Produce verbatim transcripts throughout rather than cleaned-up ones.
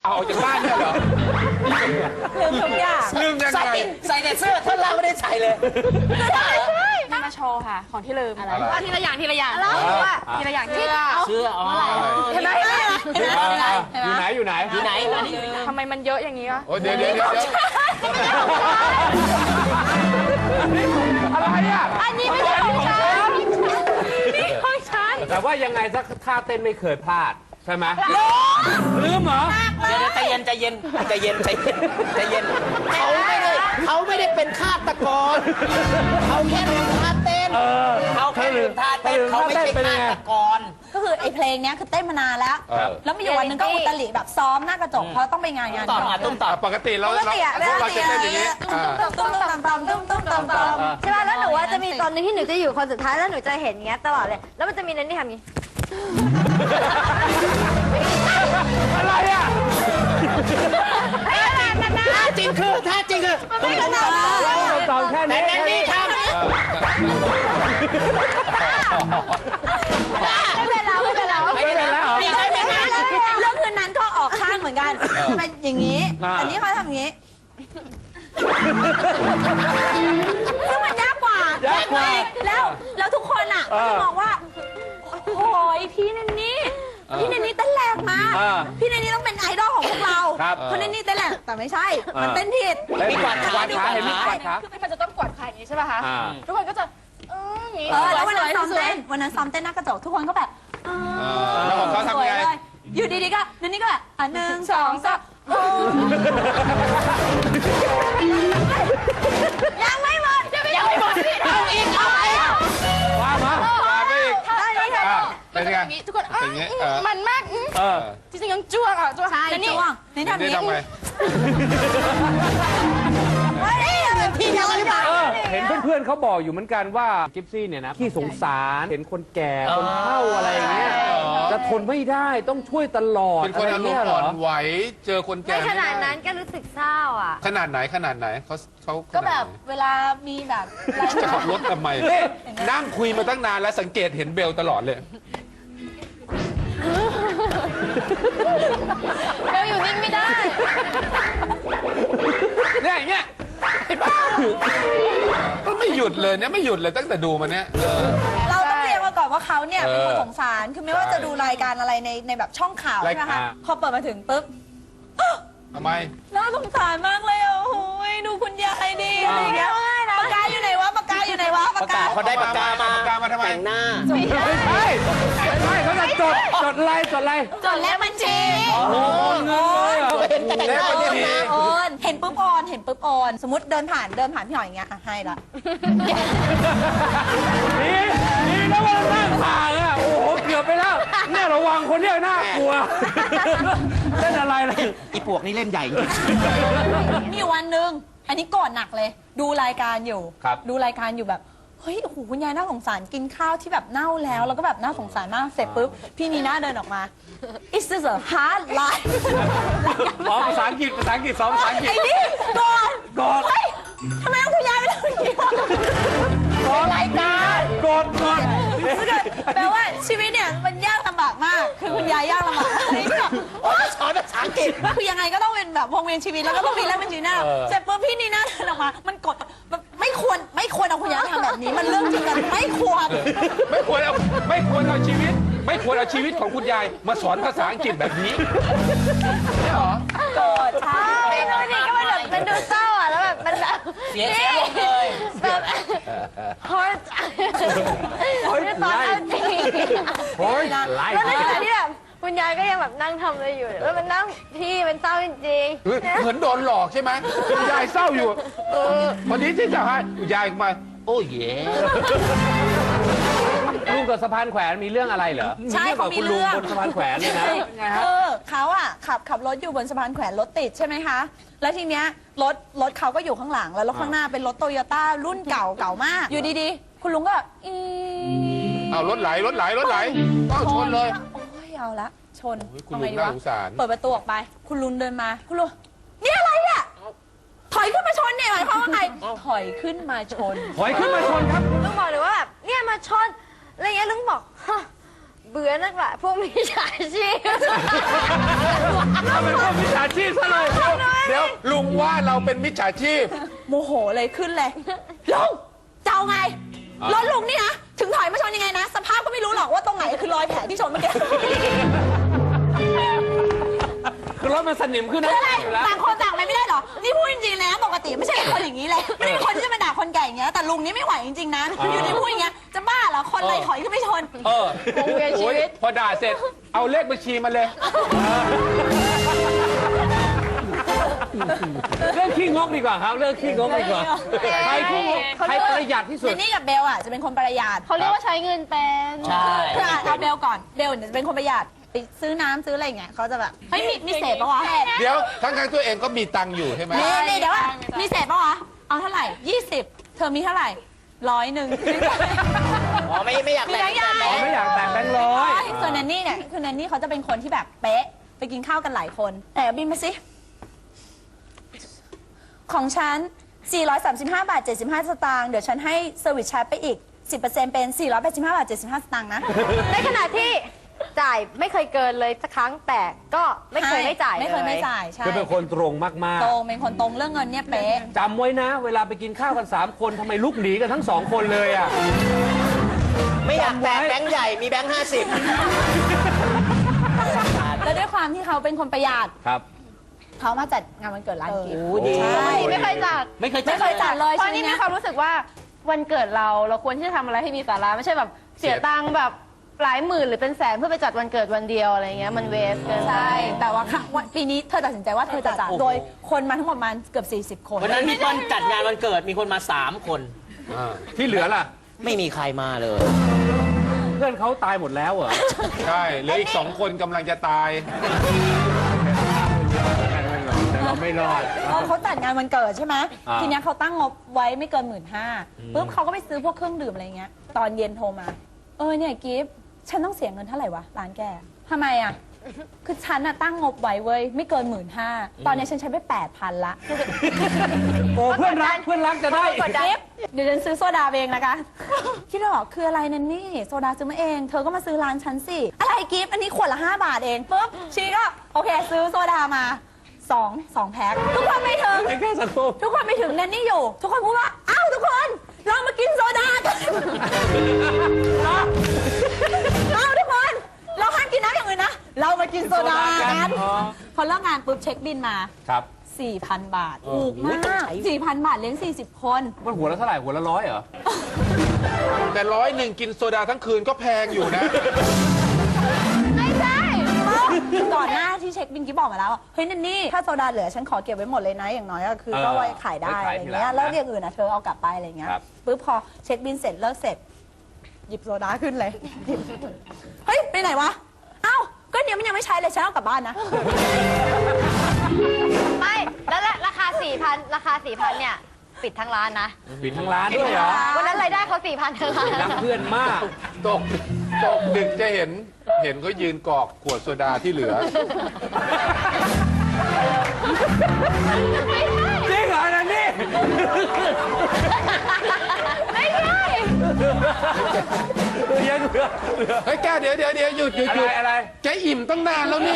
เอาออกจากบ้านเนี่ยเหรอลืมทุกอย่างลืมยังไงใส่ใส่แต่เสื้อท่อนล่างไม่ได้ใส่เลยนี่มาโชว์ค่ะ ของที่ลืมอะไรเอาทีละอย่างทีละอย่างอะไรทีละอย่างที่เสื้ออ๋อเห็นไหมเห็นไหมเห็นไหมอยู่ไหนอยู่ไหนอยู่ไหนอันนี้ทำไมมันเยอะอย่างนี้วะโอ้เดี๋ยวเดี๋ยวเดี๋ยวอะไรอ่ะอันนี้ไม่ใช่ของฉันนี่ของฉันแต่ว่ายังไงสักท่าเต้นไม่เคยพลาดใช่ไหมลืมเหรอเดี๋ยวใจเย็นใจเย็นใจเย็นใจเย็นใจเย็นเขาไม่ได้เขาไม่ได้เป็นฆาตกรเขาแค่ลืมท่าเต้นเขาแค่ลืมท่าเต้นเขาไม่ใช่ฆาตกรก็คือไอ้เพลงเนี้ยคือเต้นมานานแล้ว แล้วมีอยู่วันหนึงก็อุตลิแบบซ้อมหน้ากระจกเพราะต้องไปงานงานต่อมาตุ้มต่อปกติเราปกเราติอะพวกเราจะเต้นอย่างนี้อ่าตุ้มตุ้มตุ้มตุ้มตุ้มตุ้มตุ้มตุ้มใช่ป่ะแล้วหนูว่าจะมีตอนนึงที่หนูจะอยู่คนสุดท้ายแล้วหนูจะเห็นอย่างเงี้ยตลอดเลย แล้วมันจะมีนันที่ทำอย่างงี้อะไรอ่ะท่าจริงคือท่าจริงคือไม่ขนาดนั้นตอนแค่แต่นี้แนนนี่ทำไม่เป็นแล้วไม่เป็นแล้วไม่ได้แล้วเรื่องคืนนั้นก็ออกข้างเหมือนกันเป็นอย่างนี้ อันนี้เขาทำอย่างนี้ซึ่งมันยากกว่ายากกว่าแล้วแล้วทุกคนอ่ะก็จะมองว่าโอ้ยพี่นันนี่พี่นันนี่เต้นแรงมากอ่าพี่นันนี่ต้องเป็นไอดอลของพวกเราครับเพราะนันนี่เต้นแรงแต่ไม่ใช่ มันเต้นผิดมีกวาดกวาดขาเห็นมีกวาดขาคือมันจะต้องกวาดขาอย่างนี้ใช่ป่ะคะอ่าทุกคนก็จะเอออย่างนี้เออแล้ววันนั้นซ้อมเต้นวันนั้นซ้อมเต้นหน้ากระจกทุกคนก็แบบแล้วของเขาสทำวยไงเลยอยู่ดีๆก็นันนี่ก็แบบอ่ะหนึ่งสองสามยังไม่หมดยังไม่หมดเอาอีกเอาอีกว่ามามาไปอีกได้เลยค่ะอ่ะมัเป็น นจะไงอย่างนี้ทุกคนเออเป็นไงเออมันมากอืมเออจริงๆยังจ้วงอ่ะจ้วงใช่แล้วนี่จ้วงนี่ทำได้นี้ทำไงเฮ้ยพี่ยังไม่มาเออเห็นเพื่อนๆเขาบอกอยู่เหมือนกันว่ากิฟซี่เนี่ยนะขี้สงสารเห็นคนแก่คนเฒ่าอะไรอย่างเงี้ยจะทนไม่ได้ต้องช่วยตลอดเป็นคนอะไรอารมเงี้ยณ์เหรอ่ออนไหวเจอคนแก่ไม่ขนาดไนั้นก็รู้สึกเศร้าอ่ะขนาดไหนขนาดไหนเขาเขาก็แบบเวลามีแบบอะไรจะขับรถทำไมนี่นั่งคุยมาตั้งนานแล้วสังเกตเห็นเบลตลอดเลยเบลอยู่นิ่งไม่ได้เนี่ยอย่างเงี้ยเห็นปะก็ไม่หยุดเลยเนี่ยไม่หยุดเลยตั้งแต่ดูมาเนี่ยเออเราต้องเรียกมาก่อนว่าเขาเนี่ยเป็นคนเออสงสารคือไม่ว่าจะดูรายการอะไรในในแบบช่องข่าวรายใช่ไหมกาคะรพอเปิดมาถึงปุ๊บทำไมน่าสงสารมากเลยอ่ะโอ้ยดูคุณยายดิอะไรอย่างเงี้ยปากกาอยู่ไหนวะปากกาอยู่ไหนวะปากกาเขาได้ปากกามาปากกามาทำไมแต่งหน้าไม่ใช่ไม่ใช่เขาจะจดจดอะไรจดอะไรจดเลขบัญชีโอนเงินเลยเหรอเป็นแต่งหน้าแล้วคนที่โอนเห็นปุ๊บโอนเห็นปุ๊บโอนสมมติเดินผ่านเดินผ่านพี่หอยอย่างเงี้ยอ่ะให้ละนี่นี่นะว่านั่งห่างอ่ะโอ้โหเกือบไปแล้วเนี่ยระวังคนเนี้ยน่ากลัวเล่นอะไรเลยอีปวกนี่เล่นใหญ่มีอยู่วันหนึ่งอันนี้ก่อนหนักเลย ดูรายการอยู่ครับดูรายการอยู่แบบเฮ้ยโอ้โหคุณยายน่าสงสารกินข้าวที่แบบเน่าแล้ว แล้วก็แบบน่าสงสารมากเสร็จปุ๊บพี่นีน่าเดินออกมา Is this a hard life อ๋อภาษาอังกฤษภาษาอังกฤษสองภาษาอังกฤษไอ้นี่ก่อนกอดเฮ้ยทำไมต้องคุณยายไม่ทำอย่างนี้วะกอดรายการกอดกอดแปลว่าชีวิตเนี่ยมันยากลำบากมาก คือคุณยายยากลำบากอันนี้ก็โอ๊ยสอนภาษาอังกฤษคือยังไงก็ต้องเป็นแบบวงเวียนชีวิตแล้วก็ต้องมีแลกเป็นชีวิตหน้าเสร็จปุ๊บพี่นีน่าเดินออกมา มันกดแบบไม่ควรไม่ควรเอาคุณยายทำแบบนี้ มันเรื่องจริงกันไม่ควรไม่ควรเอาไม่ควรเอาชีวิต ไม่ควรเอาชีวิตของคุณยายมาสอนภาษาอังกฤษแบบนี้เนี่ยเหรอโกรธใช่ไม่รู้ดิก็มันแบบมันดูเศร้าอ่ะแล้วแบบมันแบบเสียเสียลงเลยแบบฮอร์ตคือตอนเอาจริงโอ้ยไล่แล้วในขณะที่แบบคุณยายก็ยังแบบนั่งทำอะไรอยู่แล้วมันนั่งพี่มันเศร้าจริงเฮ้ยเหมือนโดนหลอกใช่ไหมคุณยายเศร้าอยู่ เออวันนี้ที่จะให้คุณยายมาโอ้ยเย่ลุงกับสะพานแขวนมีเรื่องอะไรเหรอใช่เรื่องเขากับมีคุณลุงเรื่องบนสะพานแขวนเนี่ยนะเออเขาอ่ะขับขับรถอยู่บนสะพานแขวนรถติดใช่ไหมคะ แล้วทีเนี้ยรถรถเขาก็อยู่ข้างหลังแล้วรถข้างหน้าเป็นรถโตโยต้ารุ่นเก่าเก่ามาก อยู่ดีๆ คุณลุงก็อีเอารถไหลรถไหลรถไหลก็ชนเลยโอ้ยเอาละชนโอ้ยคุณทำไงลุงดีวะน่าสงสารเปิดประตูออกไป คุณลุงเดินมา คุณลุงนี่อะไรอ่ะถอยขึ้นมาชนเนี่ยหมายความว่าไงถอยขึ้นมาชนถอยขึ้นมาชนครับๆลุงบอกเลยว่าแบบเนี่ยมาชนอะไรเงี้ยลุงบอกฮะเบื่อนักละพวกมิจฉาชีพถ้าเป็นพวกมิจฉาชีพซะเลยเดี๋ยวลุงว่าเราเป็นมิจฉาชีพโมโหเลยขึ้นเลยลุงจะเอาไงรถลุงนี่นะถึงถอยมาชนยังไงนะ สภาพก็ไม่รู้หรอกว่าตรงไหนคือรอยแผลที่ชนเมื่อกี้คือรถมันสนิมขึ้นนะคืออะไรอยู่แล้วต่างคนต่างไปไม่ได้หรอนี่พูดจริงๆเลยนะปกติไม่ใช่เป็นคนอย่างนี้เลยไม่ได้เป็นคนที่จะมาด่าคนแก่อย่างเงี้ยแต่ลุงนี่ไม่ไหวจริงๆนะอยู่ดีพูดอย่างเงี้ยจะบ้าเหรอคนเลยถอยขึ้นไปชนเออวงเวียนชีวิตโอ้ยพอด่าเสร็จ เอาเลขบัญชีมาเลยเรื่องขี้งกดีกว่าครับเรื่องขี้งกดีกว่าใครขี้งกใครประหยัดที่สุเจดนนี่กับเบลอ่ะจะเป็นคนประหยัดเขาเรียกว่าใช้เงินเป็นใช่คืออ่ะเอาเบลก่อนเบลเนี่ยจะเป็นคนประหยัดไปซื้อน้ำซื้ออะไรอย่างเงี้ยเขาจะแบบเฮ้ยมีมีเศษปะวะเดี๋ยวทั้งทตัวเองก็มีตังค์อยู่ใช่ไหมนี่นี่เดี๋ยวว่ามีเศษปะวะเอาเท่าไหร่ยี่สิบเธอมีเท่าไหร่ร้อยหนึ่งอ๋อไม่ไม่อยากมีแต่แบงงค์ใหญ่อ๋อไม่อยากแต่งแบงค์ร้อยส่วนแนนนี่เนี่ยคือแนนนี่เขาจะเป็นคนที่แบบเป๊ะไปกินข้าวกันหลายคนแต่บินมาสิของฉันสี่ร้อยสามสิบห้าบาทเจ็ดสิบห้าสตางค์เดี๋ยวฉันให้เซอร์วิสชาร์จไปอีก สิบเปอร์เซ็นต์ เป็นสี่ร้อยแปดสิบห้าบาทเจ็ดสิบห้าสตางค์นะในขณะที่จ่ายไม่เคยเกินเลยสักครั้งแต่ก็ไม่เคยไม่จ่ายไม่เคยไม่ลจ่ายใช่คือเป็นคนตรงมากตรงเป็นคนตรงเรื่องเงินเนี่ยเป๊ะๆจำไว้นะ เวลาไปกินข้าวกันสามคนทำไมลุกหนีกันทั้งสองคนเลยอ่ะไม่อยากแตกแบงค์ใหญ่มีแบงค์ห้าสิบแล้วด้วยความที่เขาเป็นคนประหยัดครับเขามาจัดงานวันเกิดร้านกิฟต์โอ้ดีใช่ไม่เคยจัดไม่เคยไม่เคยจัดเลยเพราะใช่นี่ไหมมีความรู้สึกว่าวันเกิดเราเราควรที่จะทำอะไรให้มีสาระไม่ใช่แบบเสียตังค์แบบหลายหมื่นหรือเป็นแสนเพื่อไปจัดวันเกิดวันเดียวอะไรเงี้ยมันเวสเกินไปใช่ แต่ว่าครั้งวันปีนี้เธอตัดสินใจว่าเธอจะจัดโดยคนมาทั้งหมดประมาณเกือบสี่สิบคนวันนั้นมีคนจัดงานวันเกิดมีคนมาสามคนที่เหลือล่ะไม่มีใครมาเลยเพื่อนเขาตายหมดแล้วเหรอใช่เหลืออีกสองคนกำลังจะตายแต่เราไม่รอดเออเขาจัดงานวันเกิดใช่ไหมอ่าทีเนี้ยเขาตั้งงบไว้ไม่เกินหมื่นห้าปุ๊บเขาก็ไปซื้อพวกเครื่องดื่มอะไรเงี้ย ตอนเย็นโทรมา เออเนี่ยกิฟต์ฉันต้องเสียเงินเท่าไหร่วะร้านแกทำไมอ่ะ คือฉันน่ะตั้งงบไว้เว้ยไม่เกินหมื่นห้าตอนนี้ฉันใช้ไปแปดพันละโอ้เพื่อนรักเพื่อนรักจะได้กิฟต์เดี๋ยวฉันซื้อโซดาเองนะคะ คิดว่าบอกคืออะไรนั่นนี่โซดาซื้อมาเอง เธอก็มาซื้อร้านฉันสิ อะไรกิฟต์อันนี้ขวดละห้าบาทเองปุ๊บชีก็โอเคซื้อโซดามาสองสองแพ็คทุกคนไม่ถึงแค่สังคมทุกคนไปถึงแนนนี่อยู่ ทุกคนพูดว่าอ้าวทุกคนเรามากินโซดากันอ้าวทุกคนเราห้ามกินน้ำอย่างอื่นนะเรามากินโซดากันอ๋อพอเลิกงานปุ๊บเช็คบินมาครับสี่พัน บาทถูกมากสี่พัน บาทเลี้ยงสี่สิบคนมันหัวละเท่าไหร่หัวละร้อยเหรอแต่ร้อยหนึ่งกินโซดาทั้งคืนก็แพงอยู่นะไม่ใช่ก่อนหน้าที่เช็คบินกิ๊บบอกมาแล้วว่าเฮ้ยนันนี่ถ้าโซดาเหลือฉันขอเก็บไว้หมดเลยนะอย่างน้อยก็คือเออก็ไว้ขายได้ไว้อะขายไรทีหลังเงี้ยนะแล้วอย่างอื่นอ่ะเธอเอากลับไปอะไรเงี้ยครับปุ๊บพอเช็คบินเสร็จเลิกเสร็จ หยิบโซดาขึ้นเลย เฮ้ยไปไหนวะเอ้าก็เดี๋ยวมันยังไม่ใช้เลยฉันเอากลับบ้านนะไม่แล้วราคาสี่พันราคาสี่พันเนี่ยปิดทั้งร้านนะปิดทั้งร้านด้วยเหรอวันนั้นรายได้เขาสี่พันทั้งร้านรักเพื่อนมากตกตกดึกจะเห็นเห็นเขายืนกรอกขวดโซดาที่เหลือจริงเหรอนันนี่ไม่ใช่ยังเหลือเฮ้ยแกเดี๋ยวเดี๋ยวเดี๋ยวหยุดหยุดอะหยุไรดอะไรแกอิ่มตั้งนานแล้วนี่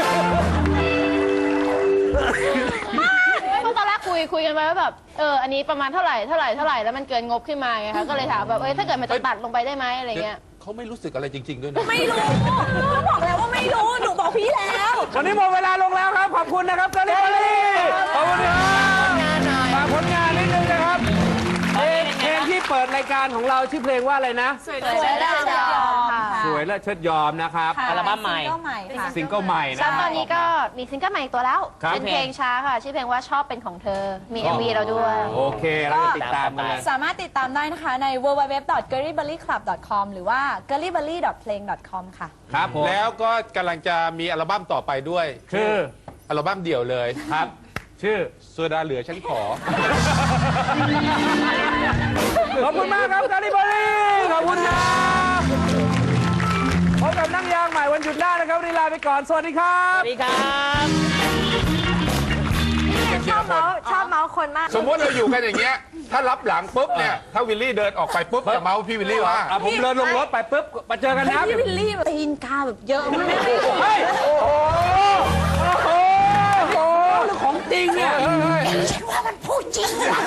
เพราะตอนแรกคุยคุยกันไปว่าแบบเอออันนี้ประมาณเท่าไหร่เท่าไหร่เท่าไหร่แล้วมันเกินงบขึ้นมาไงคะก็เลยถามแบบเออถ้าเกิดมันจะตัดลงไปได้ไหมอะไรเงี้ยเขาไม่รู้สึกอะไรจริง ๆ ด้วยนะไม่รู้ก็บอกแล้วว่าไม่รู้ หนูบอกพี่แล้ววันนี้หมดเวลาลงแล้วครับ ขอบคุณนะครับกาลิบาลีขอบคุณครับฝากผลงานนิดนึงนะครับเพลงเพลงที่เปิดรายการของเราชื่อเพลงว่าอะไรนะสวยและเชิดยอมค่ะสวยและเชิดยอมนะครับค่ะอัลบั้มใหม่ซิงเกิลใหม่ค่ะซิงเกิลใหม่แล้นะวตอนนี้ก็มีซิงเกิลใหม่อีกตัวแล้วครับเป็นเพลงช้าค่ะ ชื่อเพลงว่าชอบเป็นของเธอ มี เอ็ม วี เราด้วยโอเคเราจะติดตามกันเลยสามารถติดตามได้นะคะใน ดับเบิลยู ดับเบิลยู ดับเบิลยู ดอท เกอร์รี่เบอร์รี่คลับ ดอท คอม หรือว่า เกอร์รี่เบอร์รี่ ดอท เพลง ดอท คอม ค่ะครับผมแล้วก็กำลังจะมีอัลบั้มต่อไปด้วยคืออัลบั้มเดี่ยวเลยครับ ชื่อโซดาเหลือฉันขอขอบคุณมากครับกาลิบาลีขอบคุณครับพบกับนั่งยางใหม่วันหยุดหน้านะครับวันนี้ลาไปก่อน สวัสดีครับสวัสดีครับชอบเมาส์ชอบเมาส์คนมากสมมติเราอยู่กันอย่างเงี้ยถ้ารับหลังปุ๊บเนี่ยถ้าวิลลี่เดินออกไปปุ๊บจะเมาส์พี่วิลลี่ว่าอ่ะผมเดินลงรถไปปุ๊บมาเจอกันนะพี่วิลลี่แบบตีนกาแบบเยอะมากเฮ้ยโอ้โหโอ้โหโอ้โหเรื่องของจริงเนี่ยฉันว่ามันพูดจริงนะ